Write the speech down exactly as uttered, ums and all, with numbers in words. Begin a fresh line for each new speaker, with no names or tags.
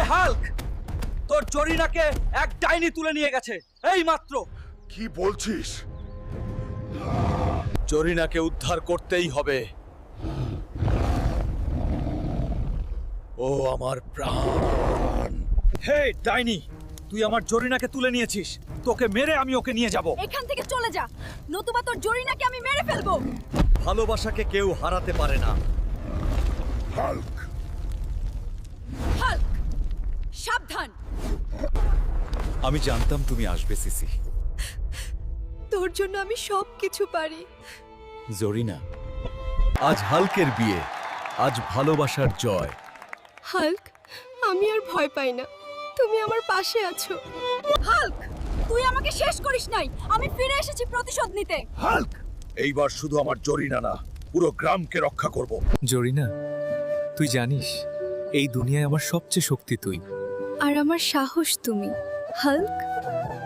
Hulk, তোর জরিনাকে এক ডাইনি তুলে নিয়ে গেছে এই মাত্র।
কি বলছিস?
জরিনাকে উদ্ধার করতেই হবে। ও আমার প্রাণ। হে ডাইনি, তুই আমার জরিনাকে তুলে নিয়েছিস। তোকে মেরে আমি ওকে নিয়ে যাব।
এখান থেকে চলে যা, নতুবা তোর জরিনাকে আমি মেরে ফেলবো।
ভালোবাসাকে কেউ হারাতে পারে না।
হাল্ক,
হাল্ক, সাবধান।
আমি জানতাম তুমি আসবে সিসি।
তোর জন্য আমি সব কিছু পারি।
জরিনা, আজ হাল্কের বিয়ে, আজ ভালোবাসার জয়।
হাল্ক, আমি আর ভয় পাই না, তুমি আমার পাশে আছো। হাল্ক, তুই আমাকে শেষ করিস নাই, আমি ফিরে এসেছি প্রতিশোধ নিতে।
হাল্ক, এইবার শুধু আমার জরিনা না, পুরো গ্রামকে রক্ষা করব।
জরিনা, তুই জানিস এই দুনিয়ায় আমার সবচেয়ে শক্তি তুই।
আর আমার সাহস তুমি। হাল্ক,